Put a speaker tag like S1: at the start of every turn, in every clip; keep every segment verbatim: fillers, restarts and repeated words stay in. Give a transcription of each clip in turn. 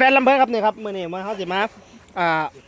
S1: ฟนๆลำเบิร์ดครับนี่ครับมือนี่มาเขาสิมาอ่า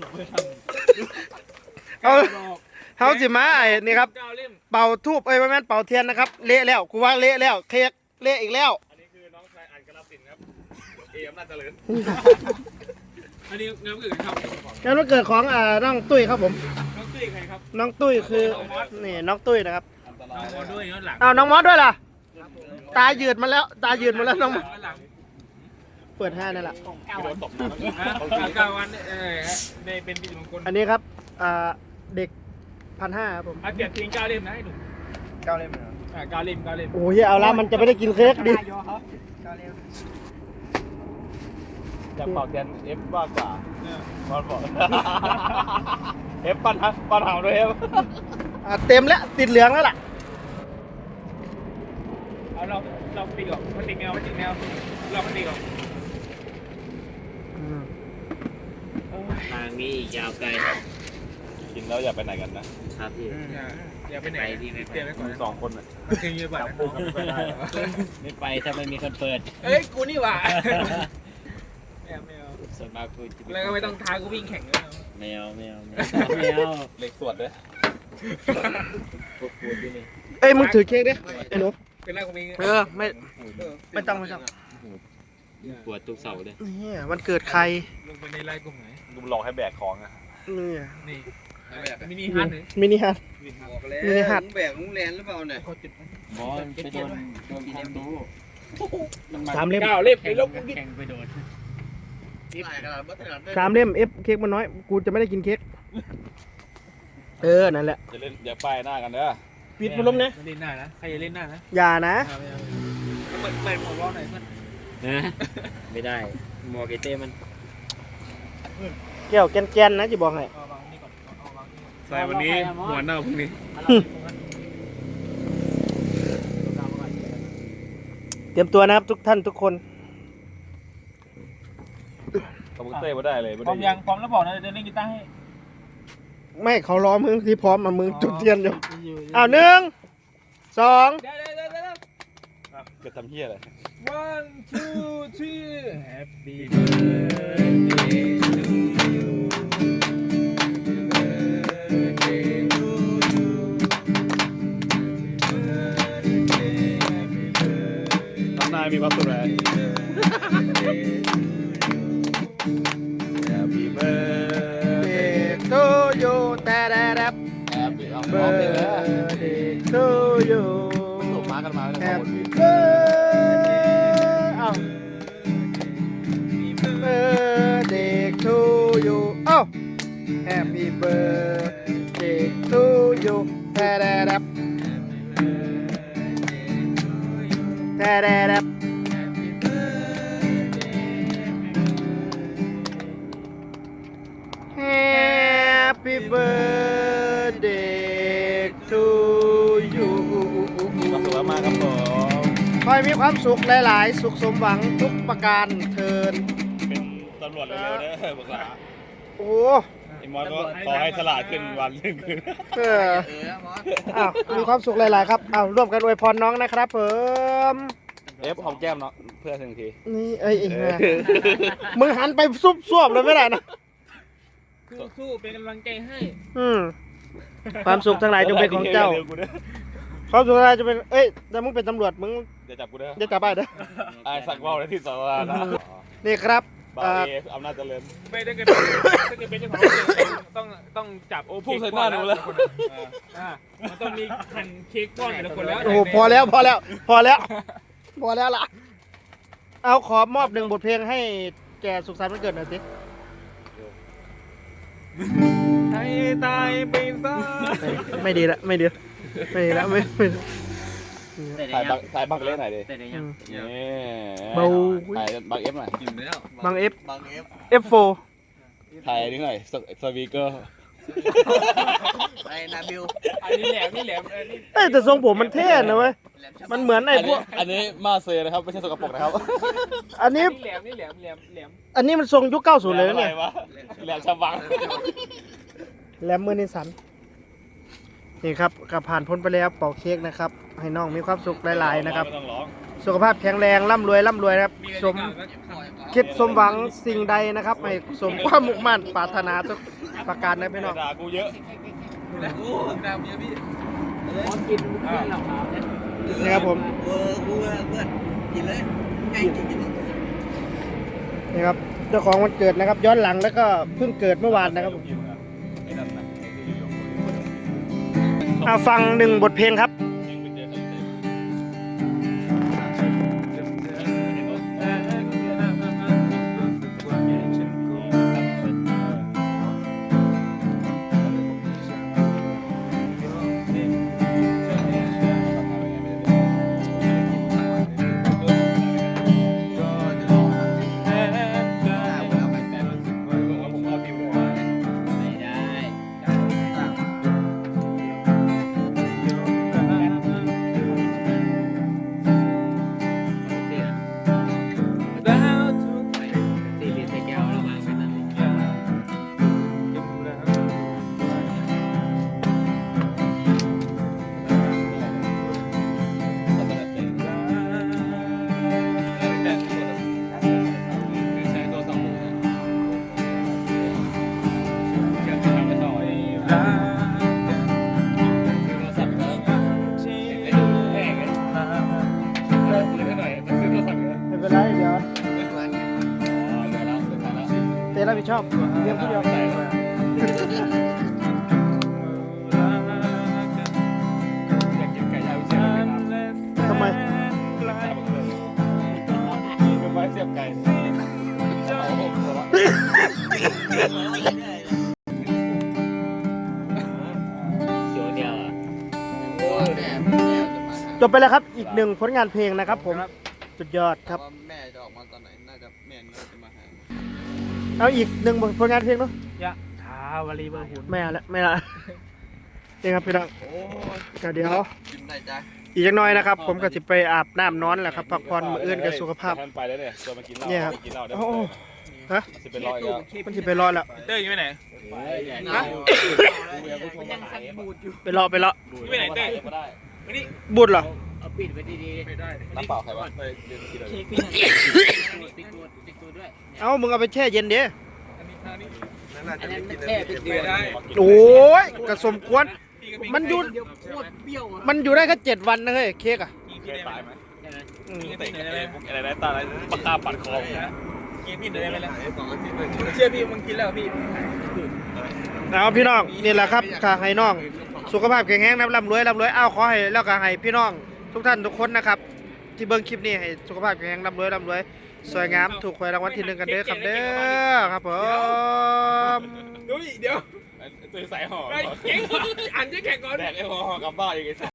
S1: เขาเขาสิมาไอ้นี่ครับเป่าทูบเอ้ยไม่แม่นเป่าเทียนนะครับเละแล้วกูว่าเละแล้วเค้กเละอีกแล้ว
S2: อันนี้คือน้องชายอันกระสินครับเออำนาจเจริญอันนี้งานวันเกิดครับ
S1: งานวันเกิดของอ่าน้องตุ้ยครับผม
S2: น้องตุ้ยใครครับ
S1: น้องตุ้ยคือนี่น้องตุ้ยนะครับ
S2: น้องมอสด้วยย้อนหลัง
S1: อ้าวน้องมอสด้วยล่ะตายืดมาแล้วตายืดมาแล้วน้องมอสเปิดห้านั่นแหละ
S2: เก้าวันตกเก้าวันเออในเป็นปีมงคล
S1: อันนี้ครับอ่าเด็กพันห้าครับผม
S2: อาเกียรติทิ้งเก้าเล่มนะให้หนุ่มเก้าเล่มเหรออ่าเก้าเล่มเก้าเล่ม
S1: โอ้ยเอาละมันจะไม่ได้กินเค้กดิ
S2: อยากเป่าแทนเอฟมากกว่าบอลบอกเอฟปั้นฮะปั้นหางด้วยเอฟ
S1: เต็มแล้วติดเหลืองแล้วล่ะ
S2: เอาเราเราตีก่อนมันติดแนวมันติดแนวเรามันตีก่อน
S3: ทางนี้อีกยาวไกล
S2: กินแล้วอย่าไปไหนกันนะครับ
S3: พี่
S2: อย่าไปไหนที่ไม่เตรียมไว้ก่อนสองคนอ่ะเก่งเยอะแบบ
S3: ไม่ไปถ้าไม่มีคนเปิด
S2: เอ้ยกูนี่หว่าแมวแมว
S3: ส่วนมากกู
S2: แล้วก็ไม่ต้องท้ากูวิ่งแข่งเลย
S3: แมวแมวแมวแมว
S2: เหล็กสวดด้วย
S3: พวกกูที่นี่
S1: เอ้ยมึงถือเค้กดิไอ้หนู
S2: เป็นไรกูมี
S1: เออไม่ไม่ต้องไม่ต้อง
S3: ปวดทุกเสาเลย
S1: นี่วันเกิดใคร
S2: ลงไปในไร่กลุ่มไหนกูหลอกให้แบกของอ่ะ
S1: นี่
S2: นี่มินิฮัท
S1: มินิฮัท
S4: มินิฮัทแบกลุงแลนหรือเปล่าเนี่ย
S3: บอลไปโดนโดนความรู้
S1: สามเล่ม
S2: เก้าเล่มไปลบ
S3: แข่งไปโดน
S1: สามเล่มเอฟเค้กมันน้อยกูจะไม่ได้กินเค้กเออนั่นแหละ
S2: จะเล่นอย่าป้ายหน้ากันเด้อ
S1: ปิดพัดลมนะ
S2: เล่นหน้านะใครจะเล่นหน้านะ
S1: อย่านะ
S2: เปิดเปิดหมวกล้อหน่อยเพื่อน
S3: นะไม่ได้หมวกไอเต้มัน
S1: แก้วแกนๆนะจะบอกให้
S2: ใส่วันนี้หัวเน่าพรุ่งนี้
S1: เตรียมตัวนะครับทุกท่านทุกคน
S2: คอมพิวเตอร์มาได้เลยพร้อมยังพร้อมแล้วบอกนะจะเล่นกีตาร์ให้
S1: ไม่เขาล้อมึงที่พร้อมมามึงจุดเทียนอยู่อ้าวหนึ่งสอง
S2: จะทำเฮียอะไร one two three happy birthday to youทำนายมีความสุขไหม Happy birthday
S1: to you แต่แต่แต่
S2: Happy
S1: birthday to you
S2: ส่งมากันมา
S1: Happy birthday อ้าว birthday to you อ้าว Happy birthday to you แต่แต่แต่แต่แต่แต่Happy birthday to you
S2: มีความสุขมากครับผม
S1: ขอให้มีความสุขหลายๆสุขสมหวังทุกประการเทิน
S2: เป็นตำรวจเร็วๆเด้อบอกว่า
S1: โอ้
S2: ไอ้มอสก็ขอให้ฉลาดขึ้นวันหนึ่งคืน
S1: เอออ้าวมีความสุขหลายๆครับอ้าวร่วมกันอวยพรน้องนะครับเพิ่ม
S2: เอฟหอมแก้มเนาะเพื่อนทันที
S1: นี่เอ้ยมึงหันไปซุบซวบเลยไม่ได้นะ
S2: สู้ๆเป็นกำลังใจให้
S1: อืมความสุขทั้งหลายจงเป็นของเจ้าความสุขทั้งหลายจะเป็นเอ้ยแต่มึงเป็นตำรวจมึง
S2: อย่าจับกูเด้อ
S1: อย่าจับไปเด้อ
S2: ไอ้สักว่าวในที่สาธารณะ
S1: นี่ครับ
S2: บาเออำนาจเจริญไม่ได้เกิดถ้าเกิดเป็นเจ้าของต้องต้องจับโอ้พูดใส่หน้าหนูแล้วมันต้องมีหั่นเค้กก้อนแต่ละคนแล้ว
S1: โอ้พอแล้วพอแล้วพอแล้วพอแล้วล่ะเอาขอมอบหนึ่งบทเพลงให้แกสุขสันต์วันเกิดหน่อยสิ
S2: ให้ตายไปซะ
S1: ไม่ดีละไม่ดีไม่ดีละไม่ไม่
S2: ถ่ายบังถ่ายบังเล่นหน่อยดิ
S3: นี่
S1: เบา
S2: ถ่ายบังเอฟหน่อย
S1: บังเอฟ
S4: บังเอฟ
S1: เอฟโฟ
S2: ถ่ายนิดหน่อยสวีเกอร์
S4: ไอ้นาบิว
S2: อันนี้แหลมนี่แหลม
S1: เอ้แต่ทรงผมมันเท่นะเว้ยมันเหมือนไอ้พวก
S2: อันนี้มาเซนะครับไม่ใช่สกปรกนะครับ
S1: อันนี้
S2: แหลมนี่แหลมแหลมแหลม
S1: อันนี้มันทรงยุคเก้าสิบเลยเนี่ย
S2: แหลมชาบัง
S1: แหลมมือนิสันนี่ครับกับผ่านพ้นไปแล้วเป่าเค้กนะครับให้น้องมีความสุขหลายๆนะครับสุขภาพแข็งแรงร่ำรวยร่ำรวยนะครับสมคิดสมหวังสิ่งใดนะครับให้สมความมุ่งมั่นปรารถนาทุกประการนะพี่น้อง
S2: ด่ากูเยอะ
S4: โอ้ดาวเยอะพี่
S3: พอกินกินเหล่าขาวเนี่ย
S1: นี่ครับผม
S4: เออกูเพื่อนกินเลยไงกินกิน
S1: นี่ครับเจ้าของวันเกิดนะครับ ย้อนหลังแล้วก็เพิ่งเกิดเมื่อวานนะครับผมเอาฟังหนึ่งบทเพลงครับ
S3: ไม่ได้ ตีเรียนใส่แก้วแล้ววางไว้นั่นเลย
S1: ไม่เป็นไรเดี๋ยวเต้รับผิดชอบเรียนผู้เดียวทำไม
S2: เสียบไก่
S3: เขียวเดียวอ่ะ
S1: จบไปแล้วครับอีกหนึ่งผลงานเพลงนะครับผมสุดยอดครับ
S4: แม่จะออกมาตอนไหนน่าจะแม่น่าจะมาหา
S1: เอาอีกหนึ่งผลงานเพลงเนาะ
S2: ยะทาวลีเบอร์หุ่น
S1: ไม่เอาละไม่เอาละนี่ครับพี่น้อง
S4: โอ้ย
S1: ก็เดี๋ยว
S4: กินได้จ้ะ
S1: อีกอย่างน้อยนะครับ ผมก็จะไปอาบน้ำนอนแหละครับพักผ่อนมื้ออื่นกับสุขภาพ
S2: ท่านไปแล้วเนี่ยตัวมากินเหล้า
S1: เนี่ยครับ
S2: กินเหล้าได้
S1: โอ้ฮะ
S2: สิเป็นร้อยแล้ว
S1: มันจะไปรอแล้ว
S2: เต้ยอยู่ไปไหน
S3: ฮะ
S4: ยังสั่นบูดอยู่
S1: ไปรอไปรอ
S2: อยู่ไปไหนเต้ยไม่ได้
S1: บุญเหรอ
S3: เอาปิดไว้ดีๆ
S2: ไม่ได้น้ำเปล่าใครวะไปเรียนกินอะไร
S3: เค้กพี่นั่นปิดตัวปิดตัวด้วย
S1: เอ้ามึงเอาไปแช่เย็นเด้
S4: นั่นน่า
S3: อั
S4: จะ
S3: นนั้น
S4: กิน
S3: แค่ปิดตัว
S2: ได้
S1: โอ้ยกระสมควรมันอยู่
S3: เดียวโคตรเปรี้ยวอ่ะ
S1: มันอยู่ได้แค่เจ็ดวันนะเฮ้ยเค้กอ่ะ
S2: กินพี่ได้ไหม
S3: ใช่ไหม
S1: อืม
S2: เตะอะไรอะไรนะตาอะไรปากกาปัดคอกินพี่ได้ไหมล่ะ
S4: สองอาทิตย์เลย
S2: เชื่อพี่มึงกินแล้วพี่
S1: เอาพี่น้องนี่แหละครับข้าให้น้อง สุขภาพแข็งแรงนะร่ำรวยร่ำรวยอ้าวขอให้แล้วก็ให้พี่น้องทุกท่านทุกคนนะครับ ที่เบิ่งคลิปนี้ให้สุขภาพแข็งแรงร่ำรวยร่ำรวยสวยงามถูกหวยรางวัลที่หนึ่งกันเด้อครับเด้อครับผม
S2: เดี๋ยวเดี๋ยวตัวใส่ห่อเก่งอันจะแข่งก่อนแดกไอ้ห่อกลับบ้านอีกไอ้